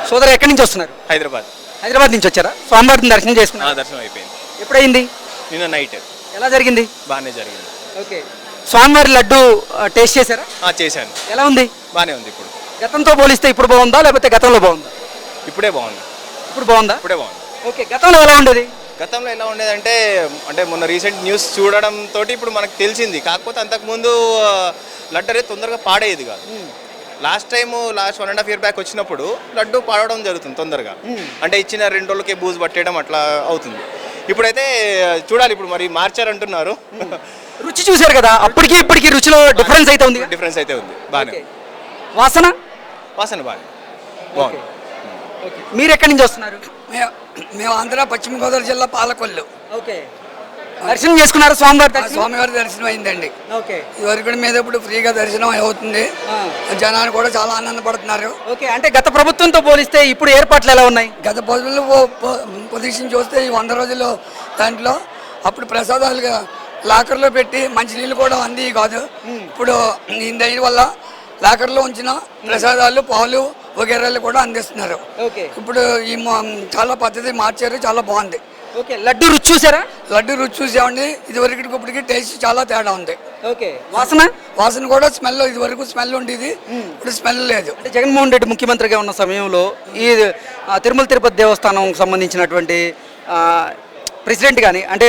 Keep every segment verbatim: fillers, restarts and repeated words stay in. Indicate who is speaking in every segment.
Speaker 1: సోదరు ఎక్కడి నుంచి వస్తున్నారు?
Speaker 2: హైదరాబాద్.
Speaker 1: హైదరాబాద్ నుంచి వచ్చారా? స్వామివారిని దర్శనం చేసుకున్నారు?
Speaker 2: దర్శనం అయిపోయింది.
Speaker 1: ఎప్పుడైంది?
Speaker 2: నిన్న నైట్.
Speaker 1: ఎలా జరిగింది?
Speaker 2: బాగానే జరిగింది.
Speaker 1: ఓకే. స్వామివారి లడ్డు టేస్ట్ చేశారా?
Speaker 2: చేశాను.
Speaker 1: ఎలా ఉంది?
Speaker 2: బాగానే ఉంది. ఇప్పుడు
Speaker 1: గతంతో పోలిస్తే ఇప్పుడు బాగుందా లేకపోతే గతంలో బాగుందా?
Speaker 2: ఇప్పుడే బాగుంది.
Speaker 1: ఇప్పుడు బాగుందా?
Speaker 2: ఇప్పుడే బాగుంది.
Speaker 1: ఓకే. గతంలో ఎలా ఉండేది?
Speaker 2: గతంలో ఎలా ఉండేదంటే అంటే మొన్న రీసెంట్ న్యూస్ చూడడం తోటి ఇప్పుడు మనకు తెలిసింది. కాకపోతే అంతకుముందు లడ్డు అనేది తొందరగా పాడేది కాదు. Last time last one and half year back వచ్చినప్పుడు లడ్డు పాడడం జరుగుతుంది తొందరగా. అంటే ఇచ్చిన రెండు రోజులకే బూజు పట్టేయడం అట్లా అవుతుంది. ఇప్పుడైతే చూడాలి, ఇప్పుడు మరి మార్చారంటున్నారు.
Speaker 1: రుచి చూశారు కదా, అప్పటికి ఇప్పటికి రుచిలో డిఫరెన్స్ అయితే ఉంది.
Speaker 2: డిఫరెన్స్ అయితే ఉంది. బాగానే.
Speaker 1: వాసన
Speaker 2: వాసన బాగా బాగుంది.
Speaker 1: మీరు ఎక్కడి నుంచి వస్తున్నారు?
Speaker 3: మేము ఆంధ్ర పశ్చిమ గోదావరి జిల్లా పాలకొల్లు.
Speaker 1: ఓకే. దర్శనం చేసుకున్నారు? స్వామివారి
Speaker 3: స్వామివారి దర్శనం అయిందండి.
Speaker 1: ఓకే.
Speaker 3: ఇదివరకు మీద ఇప్పుడు ఫ్రీగా దర్శనం అవుతుంది. జనాలు కూడా చాలా ఆనందపడుతున్నారు.
Speaker 1: ఓకే. అంటే గత ప్రభుత్వంతో పోలిస్తే ఇప్పుడు ఏర్పాట్లు ఎలా ఉన్నాయి?
Speaker 3: గత పొదులు పొజిషన్ చూస్తే ఈ వంద రోజుల్లో దాంట్లో అప్పుడు ప్రసాదాలుగా లాకర్లో పెట్టి మంచినీళ్ళు కూడా అంది కాదు. ఇప్పుడు ఈ దయ వల్ల లాకర్లో ఉంచిన ప్రసాదాలు పాలు వగేరాలు కూడా అందిస్తున్నారు. ఇప్పుడు ఈ చాలా పద్ధతి మార్చారు, చాలా బాగుంది.
Speaker 1: ఓకే. లడ్డు రుచి చూసారా?
Speaker 3: లడ్డు రుచి చూసామండి. ఇదివరకు ఇప్పటికి టేస్ట్ చాలా తేడా ఉంది.
Speaker 1: ఓకే. వాసన వాసన
Speaker 3: కూడా స్మెల్ ఇదివరకు స్మెల్ ఉండేది, ఇప్పుడు స్మెల్ లేదు.
Speaker 1: అంటే జగన్మోహన్ రెడ్డి ముఖ్యమంత్రిగా ఉన్న సమయంలో ఈ తిరుమల తిరుపతి దేవస్థానం సంబంధించినటువంటి ప్రెసిడెంట్ కానీ అంటే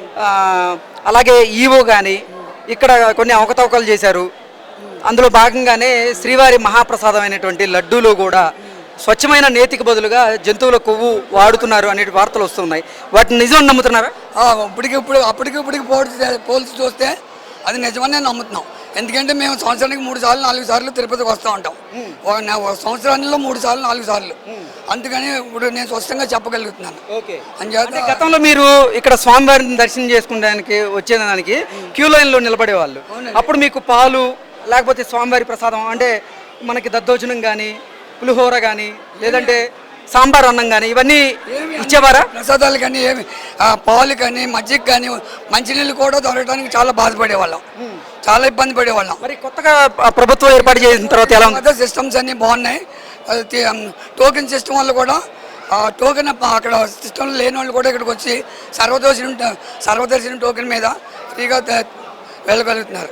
Speaker 1: అలాగే ఈవో కానీ ఇక్కడ కొన్ని అవకతవకలు చేశారు. అందులో భాగంగానే శ్రీవారి మహాప్రసాదం అయినటువంటి లడ్డూలో కూడా స్వచ్ఛమైన నేతికి బదులుగా జంతువుల కొవ్వు వాడుతున్నారు అనే వార్తలు వస్తున్నాయి. వాటిని నిజం నమ్ముతున్నారా?
Speaker 3: ఇప్పటికి ఇప్పుడు అప్పటికి ఇప్పటికి పోల్చి పోల్చి చూస్తే అది నిజమని నమ్ముతున్నాం. ఎందుకంటే మేము సంవత్సరానికి మూడు సార్లు నాలుగు సార్లు తిరుపతికి వస్తూ ఉంటాం. సంవత్సరాల్లో మూడు సార్లు నాలుగు సార్లు అందుకని ఇప్పుడు నేను స్పష్టంగా చెప్పగలుగుతున్నాను.
Speaker 1: అంటే గతంలో మీరు ఇక్కడ స్వామివారిని దర్శనం చేసుకునేదానికి వచ్చేదానికి క్యూ లైన్లో నిలబడేవాళ్ళు. అప్పుడు మీకు పాలు లేకపోతే స్వామివారి ప్రసాదం అంటే మనకి దద్దోజనం కానీ పులిహోర కానీ లేదంటే సాంబార్ అన్నం కానీ ఇవన్నీ ఇచ్చేవారా?
Speaker 3: ప్రసాదాలు కానీ ఏమి పాలు కానీ మజ్జిగ కానీ మంచినీళ్ళు కూడా దొరకడానికి చాలా బాధపడేవాళ్ళం, చాలా ఇబ్బంది పడేవాళ్ళం.
Speaker 1: మరి కొత్తగా ప్రభుత్వం ఏర్పాటు చేసిన తర్వాత ఎలా ఉంది?
Speaker 3: సిస్టమ్స్ అన్నీ బాగున్నాయి. టోకెన్ సిస్టమ్ వల్ల కూడా టోకెన్ అక్కడ సిస్టమ్ లేని వాళ్ళు కూడా ఇక్కడికి వచ్చి సర్వదర్శనం సర్వదర్శనం టోకెన్ మీద ఫ్రీగా వెళ్ళగలుగుతున్నారు.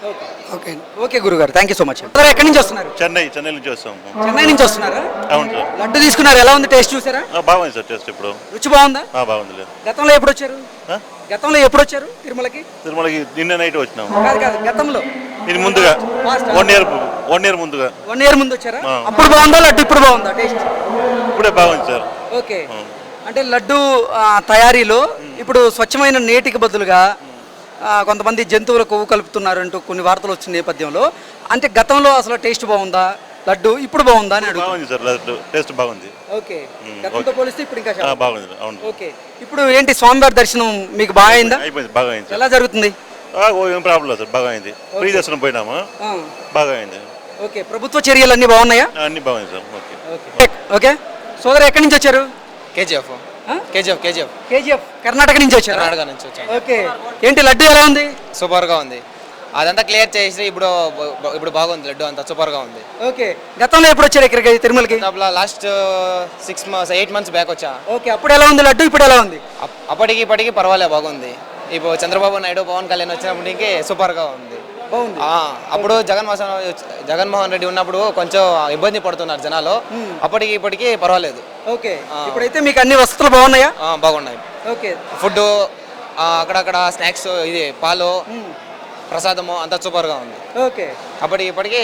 Speaker 1: ఓకే. ఓకే గురుగారు, థ్యాంక్ యూ సో మచ్. ఎక్కడి నుంచి వస్తున్నారు?
Speaker 4: చెన్నై. చెన్నై నుంచి వస్తాం.
Speaker 1: చెన్నై నుంచి వస్తున్నారా?
Speaker 4: అవును సార్.
Speaker 1: లడ్డు తీసుకున్నారు, ఎలా ఉంది? టేస్ట్ చూసారా?
Speaker 4: బాగుంది సార్. టేస్ట్ ఇప్పుడు
Speaker 1: రుచి బాగుందా?
Speaker 4: బాగుంది.
Speaker 1: గతంలో ఎప్పుడు వచ్చారు? గతంలో ఎప్పుడు వచ్చారు తిరుమలకి?
Speaker 4: తిరుమలకి నిన్న నైట్ వచ్చినాం.
Speaker 1: కాదు కాదు గతంలో
Speaker 4: ఇది ముందుగా వన్ ఇయర్ వన్ ఇయర్ ముందుగా
Speaker 1: వన్ ఇయర్ ముందు వచ్చారా? అప్పుడు బాగుందా లడ్డు ఇప్పుడు బాగుందా టేస్ట్?
Speaker 4: ఇప్పుడే బాగుంది సార్.
Speaker 1: ఓకే. అంటే లడ్డు తయారీలో ఇప్పుడు స్వచ్ఛమైన నేటికి బదులుగా కొంతమంది జంతువుల కొవ్వు కలుపుతున్నారు అంటూ కొన్ని వార్తలు వచ్చిన నేపథ్యంలో అంటే గతంలో అసలు టేస్ట్ బాగుందా లడ్డు ఇప్పుడు బాగుందా అని
Speaker 4: బాగుంది సార్. లడ్డు టేస్ట్ బాగుంది.
Speaker 1: ఓకే. గతంతో పోలిస్తే ఇప్పుడు ఇంకా
Speaker 4: బాగుంది. అవును.
Speaker 1: ఓకే. ఇప్పుడు ఏంటి స్వామివారి దర్శనం మీకు బాగా అయిందా?
Speaker 4: అయిపోయింది. బాగా అయింది.
Speaker 1: ఎలా జరుగుతుంది?
Speaker 4: ఏం ప్రాబ్లం లేదు సార్. బాగా అయింది. ఫ్రీ దర్శనం పోయినాము, బాగా అయింది.
Speaker 1: ఓకే. ప్రభుత్వ చర్యలు అన్ని బాగున్నాయా?
Speaker 4: అన్ని బాగుంది సార్.
Speaker 1: ఓకే. ఓకే. సోదరు ఎక్కడి నుంచి వచ్చారు?
Speaker 5: KGF. KGF KGF
Speaker 1: KGF Karnataka నుంచి వచ్చారు?
Speaker 5: కర్ణాటక నుంచి వచ్చాను.
Speaker 1: ఓకే. ఏంటి లడ్డు ఎలా ఉంది?
Speaker 5: సూపర్గా ఉంది. అదంతా క్లియర్ చేసి ఇప్పుడు ఇప్పుడు బాగుంది. లడ్డు అంతా సూపర్గా ఉంది.
Speaker 1: ఓకే. గతంలో ఎప్పుడు వచ్చారు ఇక్కడికి తిరుమలకి?
Speaker 5: Last six months eight months back వచ్చా.
Speaker 1: ఓకే. అప్పుడు ఎలా ఉంది లడ్డు ఇప్పుడు ఎలా ఉంది?
Speaker 5: అప్పటికి ఇప్పటికి పర్వాలేదు, బాగుంది. ఇప్పుడు చంద్రబాబు నాయుడు పవన్ కళ్యాణ్ వచ్చినప్పటికి సూపర్గా ఉంది. అప్పుడు జగన్మోహన్ జగన్మోహన్ రెడ్డి ఉన్నప్పుడు కొంచెం ఇబ్బంది పడుతున్నారు జనాలు, అప్పటికి ఇప్పటికి పర్వాలేదు.
Speaker 1: ఓకే. ఇప్పుడైతే మీకు అన్ని వసతులు బాగున్నాయా?
Speaker 5: బాగున్నాయి.
Speaker 1: ఓకే.
Speaker 5: ఫుడ్ అక్కడక్కడ స్నాక్స్, ఇది పాలు ప్రసాదము అంతా సూపర్గా ఉంది.
Speaker 1: ఓకే.
Speaker 5: అప్పటికి ఇప్పటికి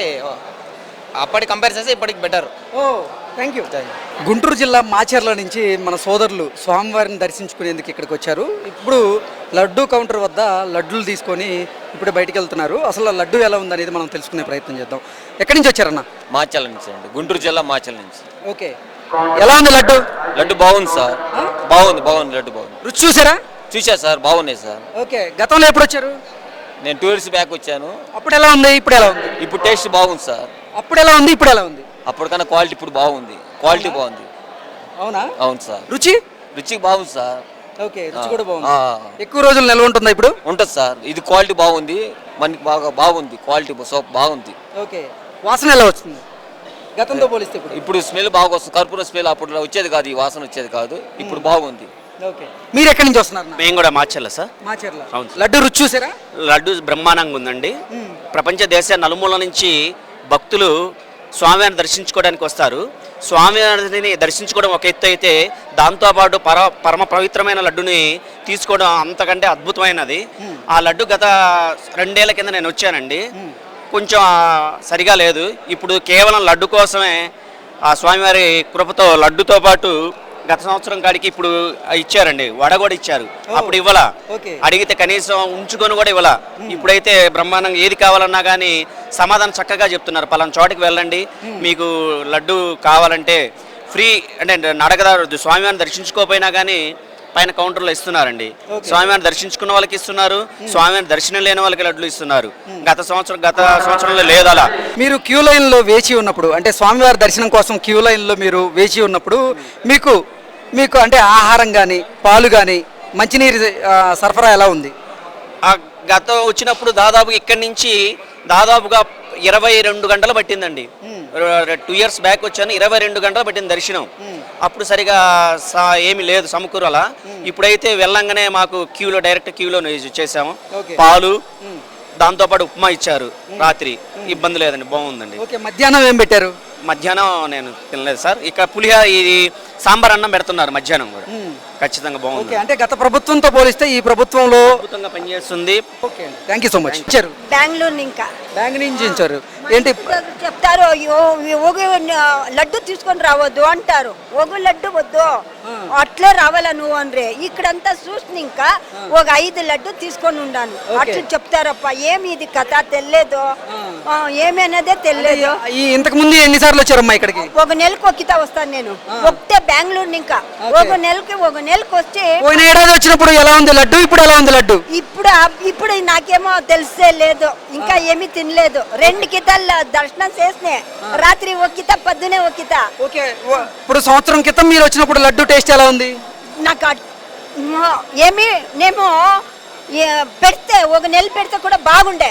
Speaker 5: అప్పటికి కంపేర్ చేస్తే ఇప్పటికి better.
Speaker 1: Oh thank you. Guntur జిల్లా మాచర్ల నుంచి మన సోదరులు స్వామివారిని దర్శించుకునేందుకు ఇక్కడికి వచ్చారు. ఇప్పుడు లడ్డు కౌంటర్ వద్ద లడ్డూలు తీసుకొని ఇప్పుడు బయటికి వెళ్తున్నారు. అసలు లడ్డు ఎలా ఉందనేది మనం తెలుసుకునే ప్రయత్నం చేద్దాం. ఎక్కడి నుంచి వచ్చారన్న?
Speaker 6: మాచర్ల నుంచి అండి, గుంటూరు జిల్లా మాచర్ల నుంచి.
Speaker 1: ఓకే. ఎలా ఉంది లడ్డు?
Speaker 6: లడ్డు బాగుంది సార్. బాగుంది బాగుంది లడ్డు బాగుంది.
Speaker 1: రుచి చూసారా?
Speaker 6: చూసా సార్, బాగున్నాయి సార్.
Speaker 1: ఓకే. గతంలో ఎప్పుడు వచ్చారు?
Speaker 6: నేను టూ ఇయర్స్ బ్యాక్ వచ్చాను.
Speaker 1: అప్పుడు ఎలా ఉంది ఇప్పుడు ఎలా ఉంది?
Speaker 6: ఇప్పుడు టేస్ట్ బాగుంది సార్.
Speaker 1: అప్పుడు ఎలా ఉంది ఇప్పుడు ఎలా ఉంది?
Speaker 6: అప్పటికన్నా క్వాలిటీ ఇప్పుడు బాగుంది. క్వాలిటీ బాగుంది.
Speaker 1: అవునా?
Speaker 6: అవును సార్.
Speaker 1: రుచి?
Speaker 6: రుచి బాగుంది సార్.
Speaker 1: ఓకే. రుచి కూడా బాగుంది. ఎక్కువ రోజులు నిల్వ ఉంటుందా ఇప్పుడు?
Speaker 6: ఉంటుంది సార్. ఇది క్వాలిటీ బాగుంది, మనకి బాగా బాగుంది. క్వాలిటీ సోప్ బాగుంది.
Speaker 1: ఓకే. వాసన ఎలా వస్తుంది? గతంతో పోలిస్తే ఇప్పుడు
Speaker 6: ఇప్పుడు స్మెల్ బాగా వస్తుంది, కర్పూర స్మెల్ అప్పుడు వచ్చేది కాదు, ఈ వాసన వచ్చేది కాదు, ఇప్పుడు బాగుంది.
Speaker 1: ఓకే, మీరు ఎక్కడి నుంచి వస్తున్నారు?
Speaker 7: మేము కూడా మార్చాల సార్.
Speaker 1: మాచర్ల.
Speaker 7: అవును.
Speaker 1: లడ్డు రుచి చూసారా?
Speaker 7: లడ్డు బ్రహ్మాండంగా ఉందండి. ప్రపంచ దేశ నలుమూల నుంచి భక్తులు స్వామివారిని దర్శించుకోవడానికి వస్తారు. స్వామివారిని దర్శించుకోవడం ఒక ఎత్తు అయితే, దాంతోపాటు పర పరమ పవిత్రమైన లడ్డుని తీసుకోవడం అంతకంటే అద్భుతమైనది. ఆ లడ్డు గత రెండేళ్ల కింద నేను వచ్చానండి, కొంచెం సరిగా లేదు. ఇప్పుడు కేవలం లడ్డు కోసమే ఆ స్వామివారి కృపతో లడ్డుతో పాటు గత సంవత్సరం కాడికి ఇప్పుడు ఇచ్చారండి, వడ కూడా ఇచ్చారు. అప్పుడు ఇవ్వాల, అడిగితే కనీసం ఉంచుకొని కూడా ఇవ్వాల. ఇప్పుడైతే బ్రహ్మాండంగా ఏది కావాలన్నా కానీ సమాధానం చక్కగా చెప్తున్నారు. పలానా చోటికి వెళ్ళండి, మీకు లడ్డు కావాలంటే ఫ్రీ, అంటే నడకదారు స్వామివారిని దర్శించుకోకపోయినా కానీ పైన కౌంటర్లో ఇస్తున్నారండి. స్వామివారిని దర్శించుకున్న వాళ్ళకి ఇస్తున్నారు, స్వామివారిని దర్శనం లేని వాళ్ళకి లడ్లు ఇస్తున్నారు. గత సంవత్సరం గత సంవత్సరంలో లేదు అలా.
Speaker 1: మీరు క్యూ లైన్లో వేచి ఉన్నప్పుడు, అంటే స్వామివారి దర్శనం కోసం క్యూ లైన్లో మీరు వేచి ఉన్నప్పుడు మీకు మీకు అంటే ఆహారం కానీ పాలు కానీ మంచినీరు ఆ, సరఫరా ఎలా ఉంది?
Speaker 7: ఆ గత వచ్చినప్పుడు దాదాపు ఇక్కడి నుంచి దాదాపుగా ఇరవై రెండు గంటలు పట్టిందండి. టూ ఇయర్స్ బ్యాక్ వచ్చాను, ఇరవై రెండు గంటలు పట్టింది దర్శనం. అప్పుడు సరిగా సా- ఏమీ లేదు సమకూరల. ఇప్పుడైతే వెళ్ళంగానే మాకు క్యూలో డైరెక్ట్ క్యూలో చేసాము. పాలు దాంతోపాటు ఉప్మా ఇచ్చారు రాత్రి, ఇబ్బంది లేదండి, బాగుందండి.
Speaker 1: ఓకే, మధ్యాహ్నం ఏం పెట్టారు?
Speaker 7: మధ్యాహ్నం నేను తినలేదు సార్. ఇక్కడ పులిహోర ఇది సాంబార్ అన్నం పెడుతున్నారు మధ్యాహ్నం కూడా, ఖచ్చితంగా బాగుంది.
Speaker 1: ఓకే, అంటే గత ప్రభుత్వంతో పోలిస్తే ఈ ప్రభుత్వంలో
Speaker 7: అద్భుతంగా పనిచేస్తుంది.
Speaker 1: Okay, thank you so much. ఇచ్చారు
Speaker 8: బెంగళూరు ఇంకా
Speaker 1: బ్యాంక్ నుంచి ఇచ్చారు. ఏంటి
Speaker 8: చెప్తారు, "అయ్యో, ఒక లడ్డు తీసుకొని రావద్దు" అంటారు. ఒక లడ్డు వద్దు, అట్లే రావాలా నువ్వు అనరే. ఇక్కడంతా చూసిన ఇంకా ఒక ఐదు లడ్డు తీసుకొని ఉండాను. అట్లా చెప్తారప్ప. ఏమి ఇది కథ తెలియదు, ఏమి అనేదే తెలియదు.
Speaker 1: ఈ ఇంతకు ముందు ఎన్నిసార్లు వచ్చారమ్మా ఇక్కడికి?
Speaker 8: ఒక నెలకు ఒక్కిత వస్తాను నేను, ఒకటే బెంగళూరు ఇంకా. ఒక నెలకి ఒక నెలకు వచ్చి
Speaker 1: పోయిన ఏడాది వచ్చినప్పుడు ఎలా ఉంది లడ్డు, ఇప్పుడు ఎలా ఉంది లడ్డు?
Speaker 8: ఇప్పుడు ఇప్పుడు నాకేమో తెలిసే లేదు, ఇంకా ఏమీ తినలేదు. రెండు కితాలు దర్శనం చేసినే, రాత్రి ఒక కిత, పొద్దునే ఒక కిత.
Speaker 1: ఓకే, ఇప్పుడు సంవత్సరం క్రితం మీరు వచ్చినప్పుడు లడ్డు టేస్ట్ ఎలా ఉంది?
Speaker 8: నాకు అట్- మ- ఏమి నేమో ఏ- పెడితే ఒక నెల పెడితే కూడా బాగుండే.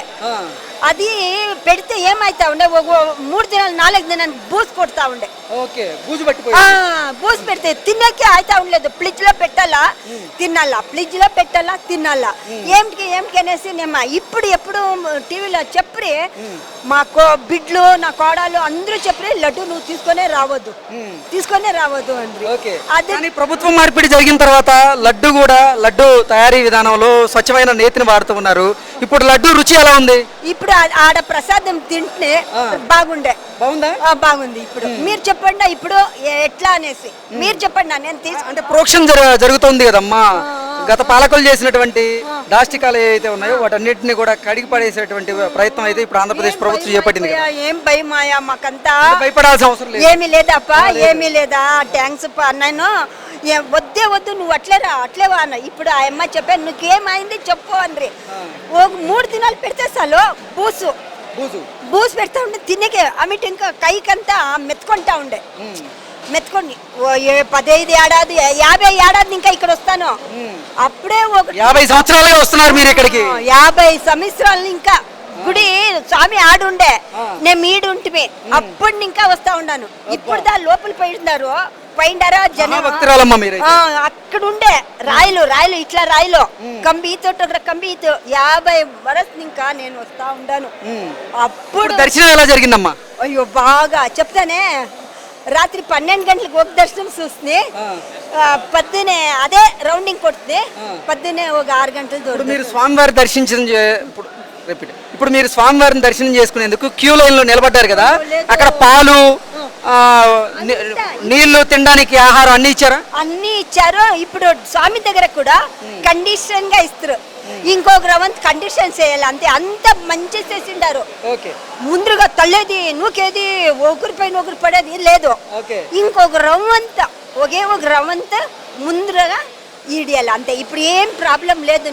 Speaker 8: అది పెడితే ఏమైతా ఉండే, ఒక మూడు దినాలు నాలుగు దినాలు బూస్ కొడతా ఉండే.
Speaker 1: ఓకే, బూజు పట్టిపోయి.
Speaker 8: ఆ, బూస్ పెడితే తినకే అయితా ఉండలేదు. ఫ్రిడ్జ్ లో పెట్టాలా తినాలా, ఫ్రిడ్జ్ లో పెట్టాలా తినాలా, ఏమిటికి ఏమిటి అనేసి నేను ఇప్పుడు ఎప్పుడు టీవీలో చెప్పి మా కో బిడ్లు నా కోడలు అందరూ చెప్పి లడ్డు నువ్వు తీసుకొనే రావద్దు, తీసుకొనే రావద్దు అండి.
Speaker 1: ఓకే,
Speaker 8: అదే
Speaker 1: కానీ ప్రభుత్వం మార్పిడి జరిగిన తర్వాత లడ్డు కూడా లడ్డు తయారీ విధానంలో స్వచ్ఛమైన నేతిని వాడుతూ ఉన్నారు. ఇప్పుడు లడ్డు రుచి ఎలా ఉంది?
Speaker 8: ఇప్పుడు ఆ- ఆడ ప్రసాదం తింటే బాగుండే.
Speaker 1: బాగుందా?
Speaker 8: ఆ, బాగుంది. ఇప్పుడు మీరు చెప్పండి, ఇప్పుడు ఎట్లా అనేసి మీరు చెప్పండి. నేను తీసు
Speaker 1: అంటే ప్రోక్షణ జర- జరుగుతుంది కదమ్మా. గత పాలకులు చేసినటువంటి దాష్టికాలు ఏవైతే ఉన్నాయో వాటన్నిటిని కూడా కడిగి పడేసేటువంటి ప్రయత్నం అయితే ఇప్పుడు ఆంధ్రప్రదేశ్ ప్రభుత్వం చేపట్టింది కదా.
Speaker 8: ఏం భయమాయా మాకంతా,
Speaker 1: భయపడాల్సిన అవసరం లేదు.
Speaker 8: ఏమీ లేదప్ప, ఏమీ లేదా. థ్యాంక్స్ అన్నాను. ఏ- వద్దే వద్దు, నువ్వు అట్లే రా అట్లే వా అన్న. ఇప్పుడు ఆ అమ్మ చెప్పాను, నువ్వేమైంది చెప్పు అనరి. ఒక మూడు దినాలు పెడితే చాలు బూసు
Speaker 1: బూజు
Speaker 8: బూసు పెడతా ఉండే, తినకే అమిటి ఇంకా కైకంతా మెత్తుకుంటా ఉండే. మెత్తుకొని ఓ ఏ- పదహైదు ఏడాది యాభై ఏడాది ఇంకా ఇక్కడ వస్తాను. అప్పుడే ఒక
Speaker 1: యాభై సంవత్సరాలుగా వస్తున్నారు మీరు ఇక్కడికి.
Speaker 8: ఆ, యాభై సంవత్సరాలు ఇంకా గుడి స్వామి ఆడుండే, నేను మీడుంటిమి. అప్పుడు ఇంకా వస్తా ఉన్నాను. ఇప్పుడు దా లోపల పోయిన్నారు, పోయిండారా జనం.
Speaker 1: భక్తురాలమ్మ మీరు.
Speaker 8: ఆ, అక్కడ ఉండే రాయలు రాయలు ఇట్లా రాయలు కంబి ఈతో కంబి ఈతో యాభై వరస్ ఇంకా నేను వస్తా ఉండాను. అప్పుడు
Speaker 1: దర్శనం ఎలా జరిగిందమ్మా?
Speaker 8: అయ్యో బాగా చెప్తానే. రాత్రి పన్నెండు గంటలకు ఒక దర్శనం చూస్తుంది, పొద్దునే అదే రౌండింగ్ కొడుతుంది. పొద్దునే ఒక ఆరు గంటలు
Speaker 1: ఇప్పుడు
Speaker 8: దూరం.
Speaker 1: మీరు స్వామివారి దర్శించడం చే- ఇప్పుడు రిపీట్. ఇప్పుడు మీరు స్వామివారిని దర్శనం చేసుకునేందుకు క్యూ లైన్ లో నిలబడ్డారు కదా, అక్కడ పాలు ఆ, ని- నీళ్లు తినడానికి ఆహారం అన్ని ఇచ్చారా?
Speaker 8: అన్ని ఇచ్చారు. ఇప్పుడు స్వామి దగ్గర కూడా కండిషన్ గా ఇస్తారు. ఇంకొక రవంత్ కండిషన్ చేయాలి అంతే. అంత మంచి చేసిండారు.
Speaker 1: ఓకే,
Speaker 8: ముందుగా తల్లేది నూకేది ఒకరి పైన ఒకరు పడేది లేదు.
Speaker 1: ఓకే.
Speaker 8: ఇంకొక రవంత ఒకే ఒక రవంత ముందుగా ఈడియాలి అంతే. ఇప్పుడు ఏం ప్రాబ్లం లేదు.